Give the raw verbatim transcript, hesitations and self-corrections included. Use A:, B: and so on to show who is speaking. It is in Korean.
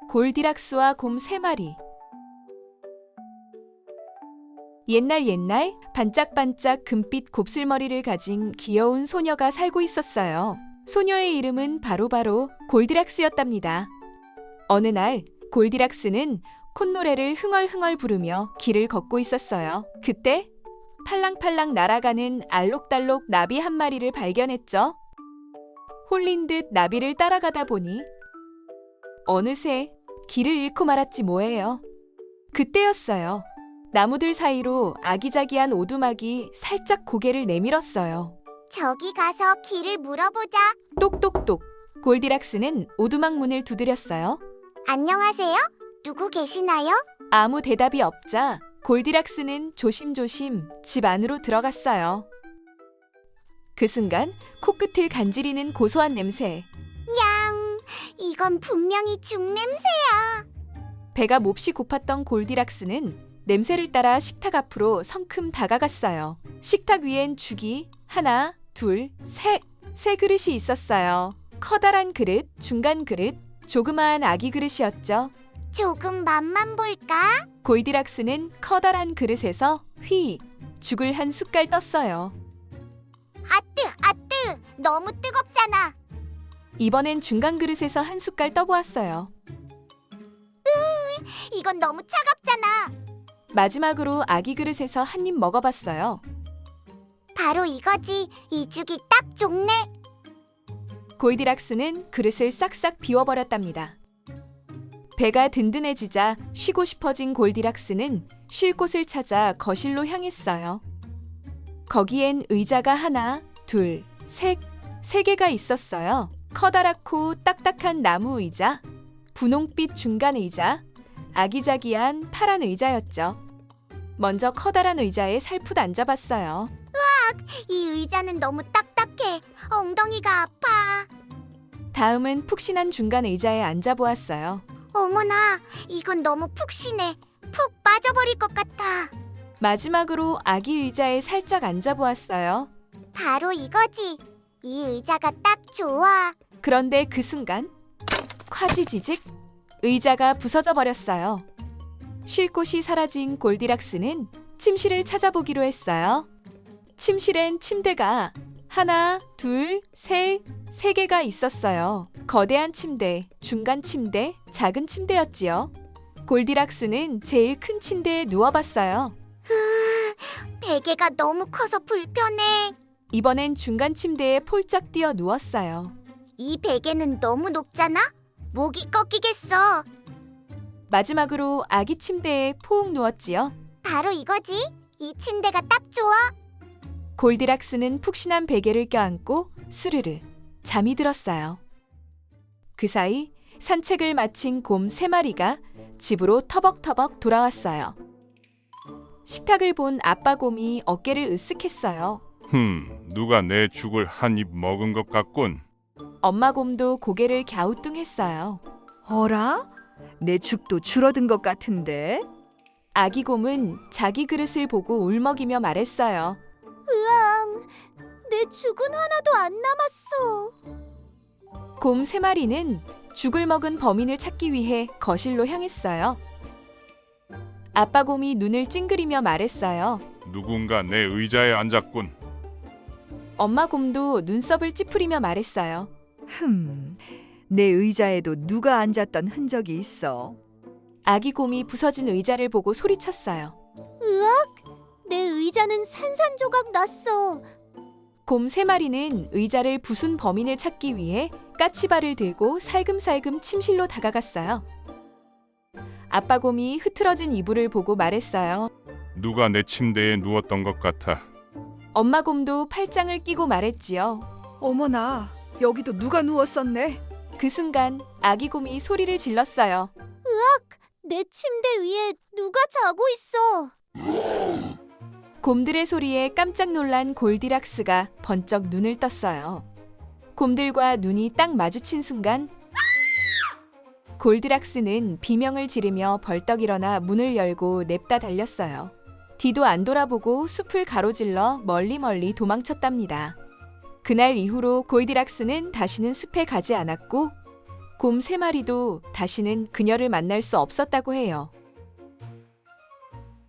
A: 골디락스와 곰 세 마리. 옛날 옛날 반짝반짝 금빛 곱슬머리를 가진 귀여운 소녀가 살고 있었어요. 소녀의 이름은 바로바로 골디락스였답니다. 어느 날 골디락스는 콧노래를 흥얼흥얼 부르며 길을 걷고 있었어요. 그때 팔랑팔랑 날아가는 알록달록 나비 한 마리를 발견했죠. 홀린 듯 나비를 따라가다 보니 어느새 길을 잃고 말았지 뭐예요. 그때였어요. 나무들 사이로 아기자기한 오두막이 살짝 고개를 내밀었어요.
B: 저기 가서 길을 물어보자.
A: 똑똑똑. 골디락스는 오두막 문을 두드렸어요.
B: 안녕하세요? 누구 계시나요?
A: 아무 대답이 없자 골디락스는 조심조심 집 안으로 들어갔어요. 그 순간 코끝을 간지리는 고소한 냄새.
B: 냥, 이건 분명히 죽 냄새야.
A: 배가 몹시 고팠던 골디락스는 냄새를 따라 식탁 앞으로 성큼 다가갔어요. 식탁 위엔 죽이 하나, 둘, 셋, 세 그릇이 있었어요. 커다란 그릇, 중간 그릇, 조그마한 아기 그릇이었죠.
B: 조금 맛만 볼까?
A: 골디락스는 커다란 그릇에서 휘, 죽을 한 숟갈 떴어요.
B: 아뜨, 아뜨, 너무 뜨겁잖아.
A: 이번엔 중간 그릇에서 한 숟갈 떠보았어요.
B: 이건 너무 차갑잖아.
A: 마지막으로 아기 그릇에서 한 입 먹어봤어요.
B: 바로 이거지. 이 죽이 딱 좋네.
A: 골디락스는 그릇을 싹싹 비워버렸답니다. 배가 든든해지자 쉬고 싶어진 골디락스는 쉴 곳을 찾아 거실로 향했어요. 거기엔 의자가 하나, 둘, 셋, 세 개가 있었어요. 커다랗고 딱딱한 나무 의자, 분홍빛 중간 의자, 아기자기한 파란 의자였죠. 먼저 커다란 의자에 살풋 앉아봤어요.
B: 이 의자는 너무 딱딱해. 엉덩이가 아파.
A: 다음은 푹신한 중간 의자에 앉아보았어요.
B: 어머나, 이건 너무 푹신해. 푹 빠져버릴 것 같아.
A: 마지막으로 아기 의자에 살짝 앉아보았어요.
B: 바로 이거지. 이 의자가 딱 좋아.
A: 그런데 그 순간 콰지지직 의자가 부서져 버렸어요. 쉴 곳이 사라진 골디락스는 침실을 찾아보기로 했어요. 침실엔 침대가 하나, 둘, 셋, 세 개가 있었어요. 거대한 침대, 중간 침대, 작은 침대였지요. 골디락스는 제일 큰 침대에 누워봤어요.
B: 베개가 너무 커서 불편해.
A: 이번엔 중간 침대에 폴짝 뛰어 누웠어요.
B: 이 베개는 너무 높잖아? 목이 꺾이겠어.
A: 마지막으로 아기 침대에 포옹 누웠지요.
B: 바로 이거지. 이 침대가 딱 좋아.
A: 골디락스는 푹신한 베개를 껴안고 스르르 잠이 들었어요. 그 사이 산책을 마친 곰 세 마리가 집으로 터벅터벅 돌아왔어요. 식탁을 본 아빠 곰이 어깨를 으쓱했어요.
C: 흠, 누가 내 죽을 한 입 먹은 것 같군.
A: 엄마 곰도 고개를 갸우뚱했어요.
D: 어라? 내 죽도 줄어든 것 같은데?
A: 아기 곰은 자기 그릇을 보고 울먹이며 말했어요.
B: 으앙, 내 죽은 하나도 안 남았어.
A: 곰 세 마리는 죽을 먹은 범인을 찾기 위해 거실로 향했어요. 아빠 곰이 눈을 찡그리며 말했어요.
C: 누군가 내 의자에 앉았군.
A: 엄마 곰도 눈썹을 찌푸리며 말했어요.
D: 흠, 내 의자에도 누가 앉았던 흔적이 있어.
A: 아기 곰이 부서진 의자를 보고 소리쳤어요.
B: 으악, 내 의자는 산산조각 났어.
A: 곰 세 마리는 의자를 부순 범인을 찾기 위해 까치발을 들고 살금살금 침실로 다가갔어요. 아빠 곰이 흐트러진 이불을 보고 말했어요.
C: 누가 내 침대에 누웠던 것 같아.
A: 엄마 곰도 팔짱을 끼고 말했지요.
D: 어머나, 여기도 누가 누웠었네.
A: 그 순간 아기 곰이 소리를 질렀어요.
B: 내 침대 위에 누가 자고 있어.
A: 곰들의 소리에 깜짝 놀란 골디락스가 번쩍 눈을 떴어요. 곰들과 눈이 딱 마주친 순간 골디락스는 비명을 지르며 벌떡 일어나 문을 열고 냅다 달렸어요. 뒤도 안 돌아보고 숲을 가로질러 멀리 멀리 도망쳤답니다. 그날 이후로 골디락스는 다시는 숲에 가지 않았고 곰 세 마리도 다시는 그녀를 만날 수 없었다고 해요.